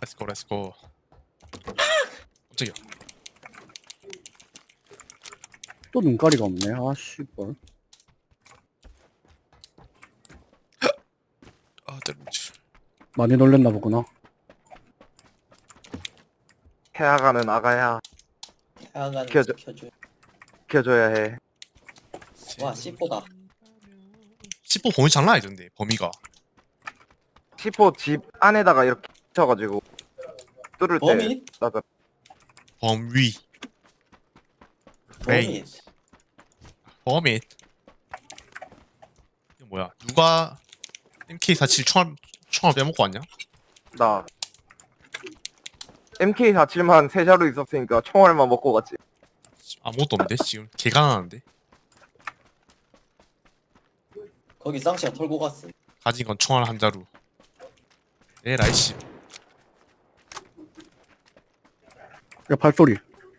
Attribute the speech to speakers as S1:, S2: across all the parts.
S1: 렛츠고 렛츠고. 깜짝이야.
S2: 또 눈가리가 없네. 아 씨발.
S1: 아 때려치.
S2: 많이 놀랬나 보구나.
S3: 해아가는 아가야
S4: 하여간
S3: 켜줘.
S4: 켜줘.
S3: 지켜줘야 해.
S4: 와 C4다.
S1: 10호 범위 장난 아니던데 범위가.
S3: C4 집 안에다가 이렇게 쳐가지고 뚫을 때
S4: 범인?
S3: 나가.
S1: 범위.
S4: 범인.
S1: 범위. 이거 뭐야? 누가 MK47 총알 빼먹고 왔냐?
S3: 나 MK47만 세 자루 있었으니까 총알만 먹고 갔지.
S1: 아무것도 없는데 지금 개 가난한데.
S4: 거기 쌍시가 털고 갔어.
S1: 가진 건 총알 한 자루. 에라이 씨.
S2: 야 발소리.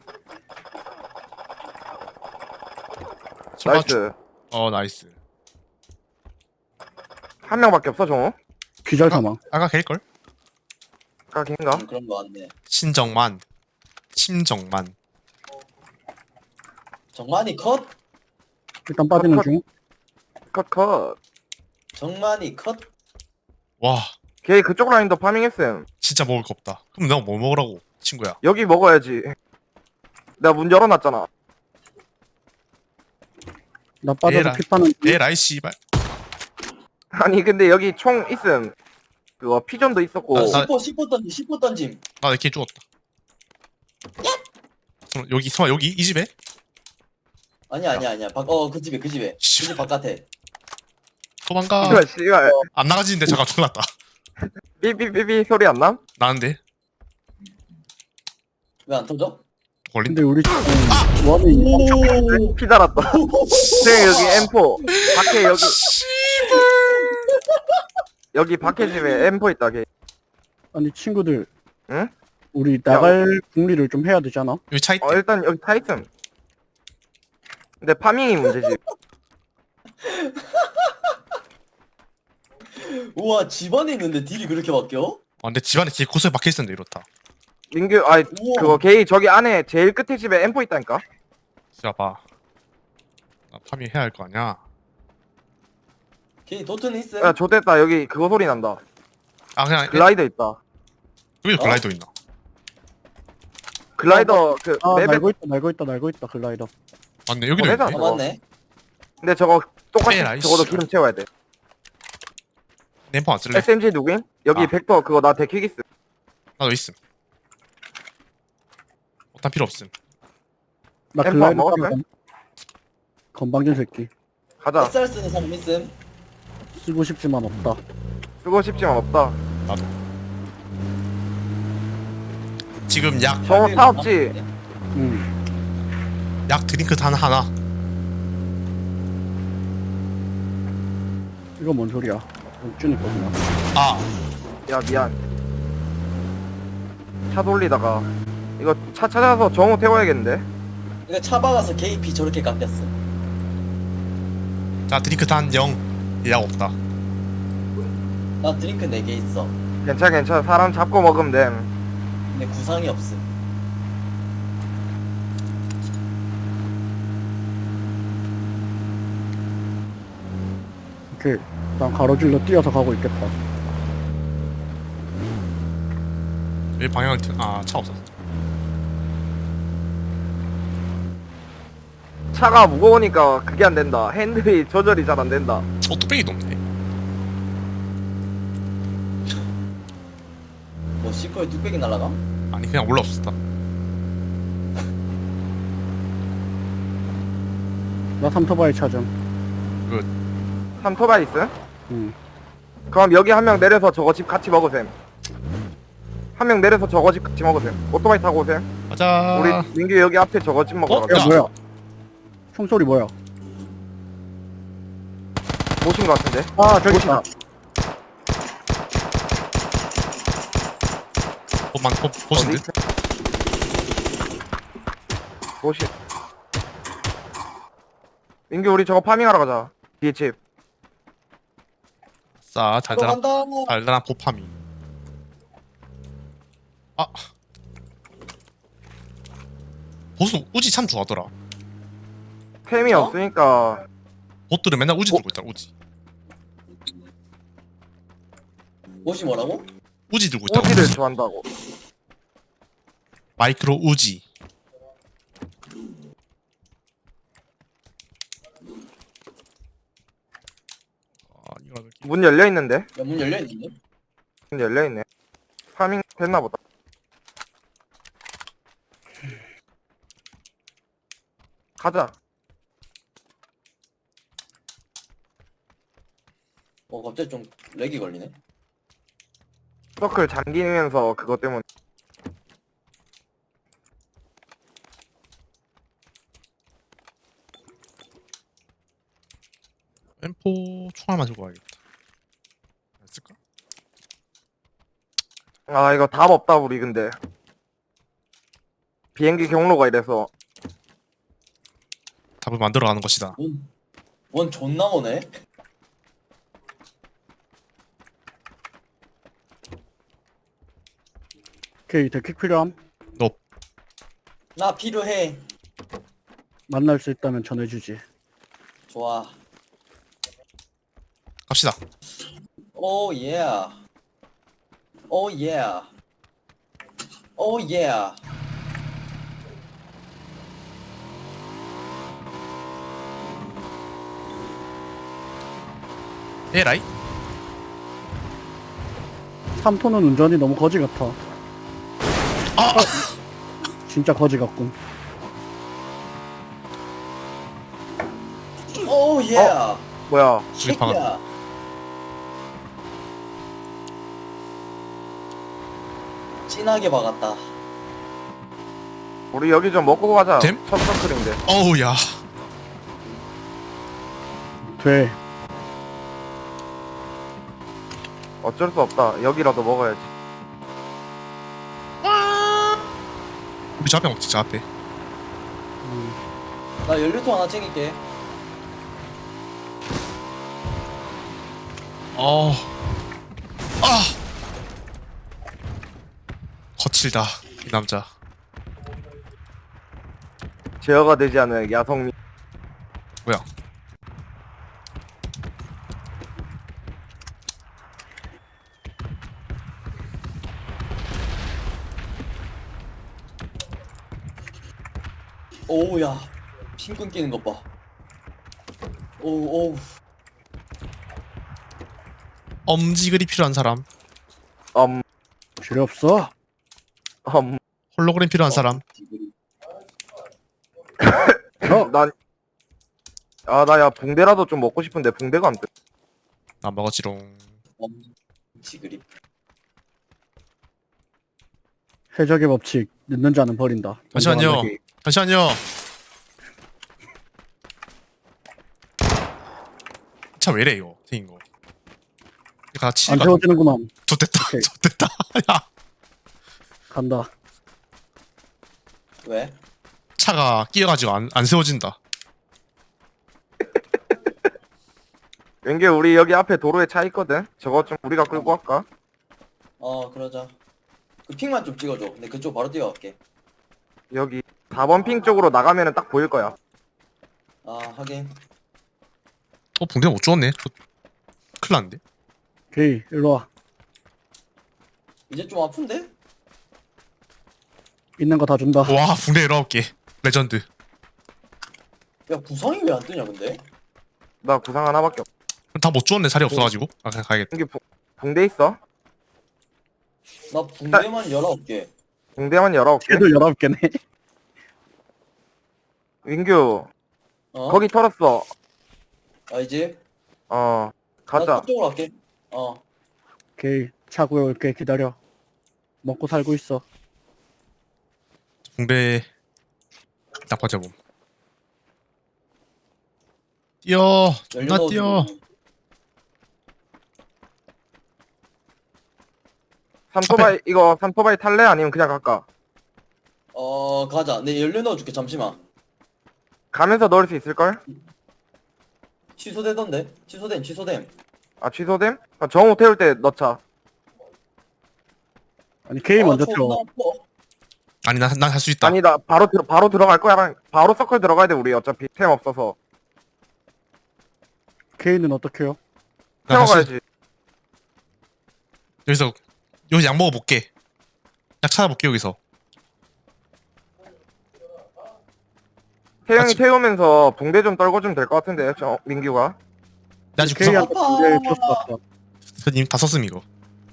S1: 설마
S3: 나이스.
S1: 나이스.
S3: 한 명밖에 없어 정우?
S2: 기절 사망.
S1: 아까 걔일걸?
S3: 까긴가?
S4: 그런 거 같네.
S1: 신정만. 심정만.
S4: 정만이 컷.
S2: 일단 빠지는
S3: 컷.
S2: 중.
S3: 컷컷.
S4: 정만이 컷.
S1: 와
S3: 걔 그쪽 라인도 파밍했음.
S1: 진짜 먹을 거 없다. 그럼 내가 뭐 먹으라고 친구야?
S3: 여기 먹어야지. 내가 문 열어놨잖아.
S2: 나 빠져서
S1: 에라.
S2: 피 파는 중.
S1: 에라이 씨발.
S3: 아니 근데 여기 총 있음. 그거 피존도 있었고.
S1: 나-
S4: C4 던짐. C4 던짐.
S1: 나 이렇게 죽었다. 여기 이 집에?
S4: 아니야. 그 집에 그 집에. 그
S1: 씨.
S4: 집 바깥에.
S1: 도망가.
S3: 씨발 씨발.
S1: 안 나가지는데 잠깐 큰일 났다.
S3: 삐삐삐삐 소리 안 남?
S1: 나는데
S4: 왜 안 터져?
S1: 걸린다.
S2: 근데 우리 지금 원이
S4: 오.
S3: 피 달았다. 형 여기 M4. 밖에 여기 여기 밖에 집에 M4 있다 걔.
S2: 아니 친구들.
S3: 응?
S2: 우리 나갈 궁리를 좀 해야 되잖아.
S1: 여기 차 있대.
S3: 일단 여기 타 있음. 근데 파밍이 문제지.
S4: 우와 집안에 있는데 딜이 그렇게 바뀌어?
S1: 근데 집안에 개 고소에 박혀있었는데 이렇다.
S3: 민규 아이
S4: 우와.
S3: 그거 걔 저기 안에 제일 끝에 집에 M4 있다니까.
S1: 자 봐. 나 파밍 해야 할 거 아니야.
S4: 걔 도트는 있음.
S3: 야 좋됐다 여기 그거 소리 난다.
S1: 아 그냥
S3: 글라이더 있다.
S1: 여기도 글라이더 있나?
S3: 글라이더 그
S2: 아
S3: 맵에
S2: 날고 있다 글라이더.
S1: 맞네 여기도
S3: 해당.
S1: 있네.
S4: 아 맞네.
S3: 근데 저거 똑같이
S1: 빼라,
S3: 적어도
S1: 이씨.
S3: 기름 채워야 돼.
S1: 램프 안 쓸래?
S3: SMG 누구임? 여기
S1: 아.
S3: 벡터 그거 나 데키기스.
S1: 나도 있음. 어탄 필요 없음.
S2: 나
S3: 엠퍼 안
S2: 글라이더
S3: 먹었어?
S2: 따라. 건방진 새끼.
S3: 가자.
S4: 햇살 쓰는 사람 있음.
S2: 쓰고 싶지만 없다.
S3: 쓰고 싶지만 없다.
S1: 나도. 지금 약
S3: 정우 타 없지?
S2: 응.
S1: 드링크 단 하나.
S2: 이거 뭔 소리야? 준이 거구나.
S1: 아
S3: 야 미안. 차 돌리다가 이거 차 찾아서 정우 태워야겠는데?
S4: 이거 차 박아서 KP 저렇게 깎였어.
S1: 자 드링크 단 0. 예약 없다.
S4: 나 드링크 4개 있어.
S3: 괜찮아. 사람 잡고 먹으면 돼.
S4: 근데 구상이 없음.
S2: 오케이. 난 가로질러 뛰어서 가고 있겠다.
S1: 왜 방향을 차 없었어.
S3: 차가 무거우니까 그게 안 된다. 핸들이 조절이 잘 안 된다.
S1: 뚝배기도 없네.
S4: 뭐 C4에 뚝배기 날라감?
S1: 아니 그냥 올라왔었다.
S2: 나 삼토바이 찾음.
S3: 삼토바이 있음?
S2: 응.
S3: 그럼 여기 한 명 내려서 저거 집 같이 먹으셈. 한 명 내려서 저거 집 같이 먹으셈. 오토바이 타고 오셈.
S1: 가자.
S3: 우리 민규 여기 앞에 저거 집 먹으러
S1: 어?
S3: 가자.
S2: 야 뭐야? 총소리 뭐야?
S3: 모신 거 같은데?
S2: 아 저기 있다.
S1: 보신데?
S3: 모신. 민규 우리 저거 파밍하러 가자. 뒤에 집.
S1: 싸 달달한
S4: 들어간다.
S1: 달달한 포파미. 아 보수 우지 참 좋아하더라.
S3: 템이
S4: 어?
S3: 없으니까
S1: 보트를 맨날 우지 들고 있더라. 우지
S4: 옷이 뭐라고?
S1: 우지 들고 있더라.
S3: 오지를
S1: 우지.
S3: 좋아한다고.
S1: 마이크로 우지. 아 이거 느낌.
S3: 문 열려 있는데?
S4: 야, 문 열려있는데?
S3: 문 열려 있네. 파밍 됐나 보다. 가자.
S4: 갑자기 좀 렉이 걸리네?
S3: 서클 잠기면서 그것 때문에.
S1: M4 총알만 들고 가야겠다. 안 쓸까?
S3: 아 이거 답 없다 우리 근데. 비행기 경로가 이래서.
S1: 답을 만들어가는 것이다.
S4: 원 존나 오네?
S2: 오케이, 데킥 필요함.
S4: 나 필요해.
S2: 만날 수 있다면 전해주지.
S4: 좋아.
S1: 갑시다.
S4: 오 예. 오 예. 오 예.
S1: 에라이?
S2: 3톤은 운전이 너무 거지 같아.
S1: 아!
S2: 진짜 거지 같군.
S4: 오 예.
S3: 뭐야?
S1: 저기 방금
S4: 새끼야. 진하게 박았다.
S3: 우리 여기 좀 먹고 가자.
S1: 됨?
S3: 첫 서클인데.
S1: 어우 야.
S2: 돼.
S3: 어쩔 수 없다. 여기라도 먹어야지.
S1: 우리 저 앞에 먹지 저 앞에.
S4: 나 연료통 하나 챙길게.
S1: 아 거칠다 이 남자.
S3: 제어가 되지 않은 야성미.
S1: 뭐야?
S4: 오우야. 핀 끊기는 것 봐. 오우.
S1: 엄지글이 필요한 사람.
S2: 필요 없어.
S1: 홀로그램 필요한 사람.
S3: 난, 나 야, 붕대라도 좀 먹고 싶은데, 붕대가 안 돼.
S1: 나 먹었지롱.
S4: 지그리.
S2: 해적의 법칙. 늦는 자는 버린다.
S1: 잠시만요.
S2: 인정하기.
S1: 잠시만요. 차 왜래 이거 생긴 거. 이거 같이
S2: 안 세워지는구만.
S1: 좋됐다.
S2: 오케이.
S1: 좋됐다. 야
S2: 간다.
S4: 왜?
S1: 차가 끼어가지고 안 세워진다.
S3: 왠게 우리 여기 앞에 도로에 차 있거든? 저거 좀 우리가 끌고 갈까?
S4: 그러자. 그 핑만 좀 찍어줘. 근데 그쪽 바로 뛰어갈게.
S3: 여기 4번 핑 쪽으로 나가면은 딱 보일 거야.
S4: 하긴.
S1: 붕대 못 주웠네. 큰일 났는데.
S2: 오케이, 일로 와.
S4: 이제 좀 아픈데?
S2: 있는 거 다 준다.
S1: 와 붕대 19개. 레전드.
S4: 야, 구상이 왜 안 뜨냐, 근데?
S3: 나 구상 하나밖에 없.
S1: 다 못 주웠네. 자리 없어가지고. 아 그냥 가야겠다.
S3: 여기 붕대 있어?
S4: 나 붕대만 19개.
S3: 붕대만 19개?
S2: 걔도 19개네.
S3: 윙규,
S4: 어?
S3: 거기 털었어.
S4: 이제?
S3: 어,
S4: 나
S3: 가자.
S4: 그쪽으로 갈게.
S2: 오케이, 차 구해올게. 기다려. 먹고 살고 있어.
S1: 붕대 딱 버텨봄. 뛰어. 존나 뛰어.
S3: 산토바이, 이거 산토바이 탈래? 아니면 그냥 갈까?
S4: 가자. 내 연료 넣어줄게, 잠시만.
S3: 가면서 넣을 수 있을걸?
S4: 취소되던데? 취소됨.
S3: 아, 취소됨? 아, 정우 태울 때 넣자.
S2: 아니 K 먼저
S4: 존나
S2: 태워.
S4: 아파.
S1: 아니 난 할 수 있다.
S3: 아니다 바로 들어갈 거야. 바로 서클 들어가야 돼 우리 어차피 템 없어서.
S2: K는 어떻게 해요?
S1: 난 할 수
S3: 태워가야지.
S1: 여기서 약 먹어볼게. 약 찾아볼게 여기서.
S3: 태영이
S1: 같이-
S3: 태우면서 붕대 좀 떨궈주면 될 것 같은데 저 민규가.
S1: 나 지금 구상
S2: K한테 군대 줬어 아까.
S1: 이미 다 썼음 이거.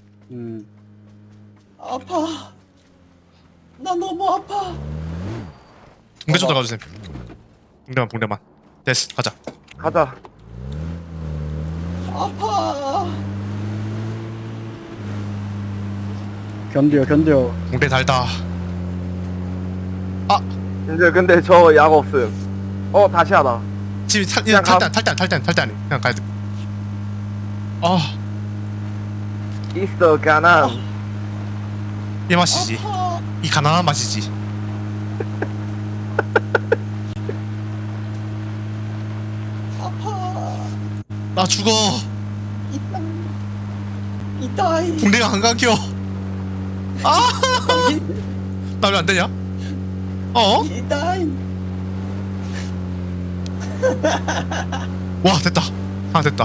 S4: 아파. 나 너무 아파.
S1: 붕대 좀 들어가주세요. 붕대만. 됐어 가자.
S3: 가자.
S4: 아파.
S2: 견뎌.
S1: 붕대 달다.
S3: 이제 근데 저 약 없음. 다시 하다.
S1: 지금
S3: 그냥
S1: 탈단 그냥 가야 돼. 아,
S3: 있어 가난.
S1: 이 맛이지.
S4: 아파.
S1: 이 가난한 맛이지.
S4: 아파.
S1: 나 죽어.
S4: 이따이.
S1: 붕대가 안 감겨. 나 왜 안 되냐? 어?
S4: 이따이.
S1: 와 됐다. 하나 됐다.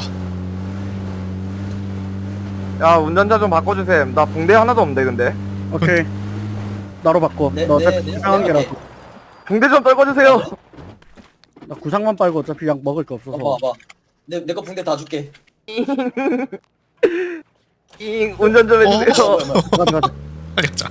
S3: 야 운전자 좀 바꿔주셈. 나 붕대 하나도 없는데 근데.
S2: 오케이. 나로 바꿔.
S4: 네,
S2: 너
S4: 네,
S2: 어차피
S4: 네,
S2: 구상한
S4: 네,
S2: 개라서.
S3: 붕대 좀 떨궈주세요.
S2: 나 구상만 빨고 어차피 약 먹을 거 없어서.
S4: 봐봐. 내 거 붕대 다 줄게.
S3: 운전 좀 해주세요.
S2: 가자.
S1: 빨리 가자.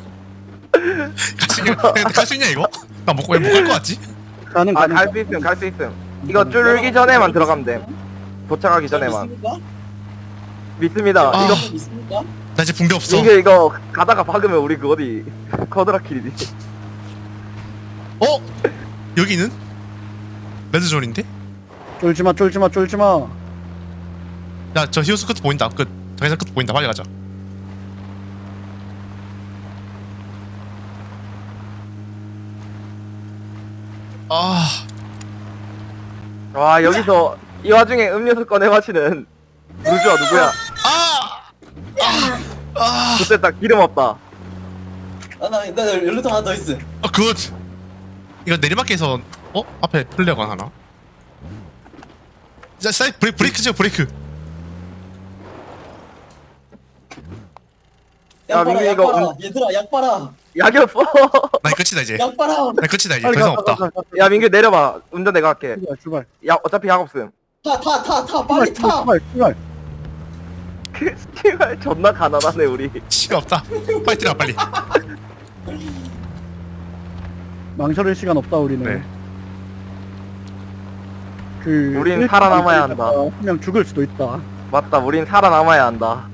S1: 갈 수 있냐 이거? 나 못 갈 것 같지?
S2: 가는.
S3: 갈 수 있음. 이거 쫄기 전에만 들어가면 돼. 도착하기 전에만.
S4: 믿습니까?
S3: 믿습니다.
S1: 아.
S3: 이거
S4: 믿습니까?
S1: 나 이제 붕대 없어.
S3: 민규 이거 가다가 박으면 우리 그 어디 커드라킬이지.
S1: 어? 여기는? 레드존인데?
S2: 쫄지마.
S1: 야 저 히오스 끝 보인다. 끝. 자기장 끝 보인다. 빨리 가자. 아,
S3: 와 여기서 이 와중에 음료수 꺼내 마시는 누구야 누구야? 그때 딱 기름 없다.
S4: 나 연료통 하나 더 있어.
S1: 굿. 이거 내리막에서 앞에 플레어건 하나. 자, 브레이크죠 브레이크.
S3: 야,
S4: 약 봐라,
S3: 민규
S4: 약
S3: 이거
S4: 봐라. 얘들아, 약 봐라.
S3: 약이 없어.
S1: 나 끝이다 이제.
S4: 약 봐라.
S1: 나 끝이다 이제. 더 이상 없다.
S3: 야 민규 내려봐. 운전 내가 할게.
S2: 출발.
S3: 야 어차피 약 없음.
S4: 타. 빨리 타.
S2: 출발.
S3: 씨발 존나 가난하네 우리.
S1: 시간 없다. 빨리 뛰라 빨리.
S2: 망설일 시간 없다 우리는.
S1: 네.
S3: 우린 살아남아야 한다.
S2: 그냥 죽을 수도 있다.
S3: 맞다. 우린 살아남아야 한다.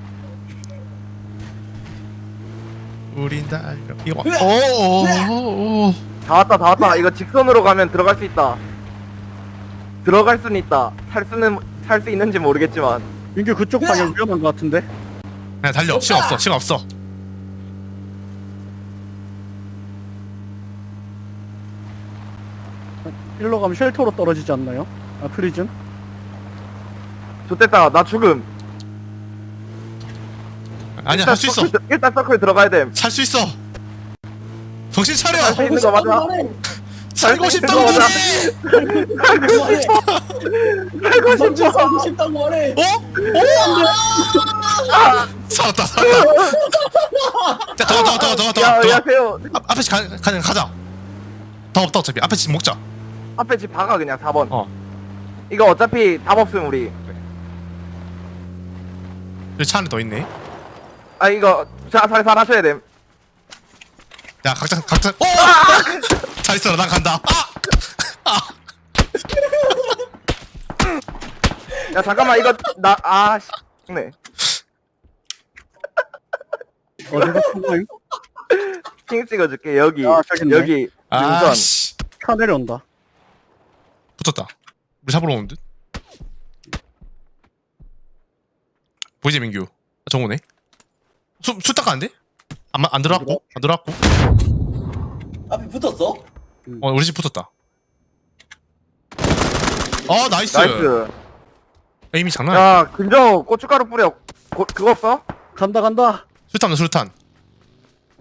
S1: 우린 달려. 이거. 오.
S3: 다 왔다. 이거 직선으로 가면 들어갈 수 있다. 들어갈 수는 있다. 살 수 있는지 모르겠지만.
S2: 민규 그쪽 방향 위험한 거 같은데?
S1: 그냥 달려. 시간 없어.
S2: 일로 가면 쉘터로 떨어지지 않나요? 아 프리즌?
S3: 좋됐다. 나 죽음.
S1: 아니야 할 수 있어.
S3: 일단 서클 들어가야 됨.
S1: 살 수 있어. 정신 차려.
S3: 할 수 있는 거 맞아.
S1: 살고 싶다고
S3: 맞아.
S1: 그래.
S4: 살고 싶다고 말해.
S1: 살았다. 자, 더.
S3: 야 세요.
S1: 앞에 가자. 더 없다 어차피. 앞에 집 먹자.
S3: 앞에 집 박아 그냥 4번.
S1: 이거
S3: 이거 어차피 답 없음 우리.
S1: 여기 차 안에 더 있네.
S3: 아 이거 잘 하셔야 됨.
S1: 야 각자. 오! 잘 있어라. 난 간다.
S3: 야 잠깐만 이거 네.
S2: 어디가 통과임?
S3: 핑 찍어줄게 여기.
S2: 저기 있네.
S3: 여기 능선.
S1: 아씨.
S2: 차 내려온다.
S1: 붙었다. 우리 잡으러 오는 듯. 보이지 민규? 정우네. 수 닦았는데? 안 들어왔고?
S4: 앞에 붙었어?
S1: 우리 집 붙었다. 나이스.
S3: 나이스.
S1: 에임이 장난 아니야.
S3: 야 근정 고춧가루 뿌려. 그거 없어?
S2: 간다.
S1: 수류탄.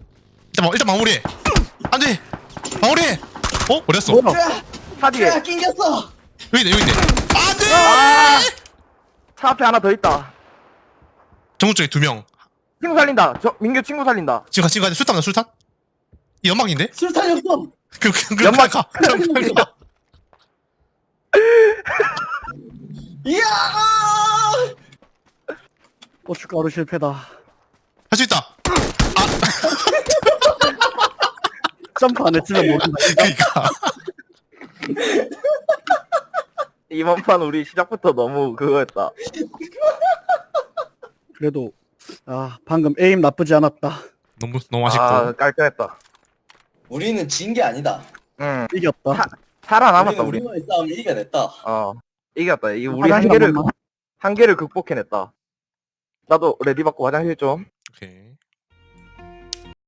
S1: 일단 마무리해. 안돼. 마무리해. 어? 어딨어?
S2: 뭐야?
S4: 야,
S3: 차 뒤에
S4: 야, 낑겼어.
S1: 여기 있네. 안돼.
S3: 아! 차 앞에 하나 더 있다.
S1: 정우 쪽에 2명.
S3: 친구 살린다. 저 민규 친구 살린다.
S1: 지금 같이 술탄 술탄? 이 연막인데?
S4: 술탄이 없어.
S1: 그
S3: 연막.
S1: 가. 연막 가.
S4: 이야!
S2: 고춧가루 실패다.
S1: 할 수 있다.
S2: 점프 안 했으면 모른다.
S1: 그러니까.
S3: 이번 판 우리 시작부터 너무 그거였다.
S2: 그래도 방금 에임 나쁘지 않았다.
S1: 너무 아쉽고.
S3: 아 깔끔했다.
S4: 우리는 진 게 아니다.
S3: 응.
S2: 이겼다.
S3: 살아남았다 우리.
S4: 우리만의 싸움을 이겨냈다.
S3: 어 이겼다. 이 우리
S2: 화장실 한 번만.
S3: 한계를 극복해냈다. 나도 레디 받고 화장실 좀.
S1: 오케이.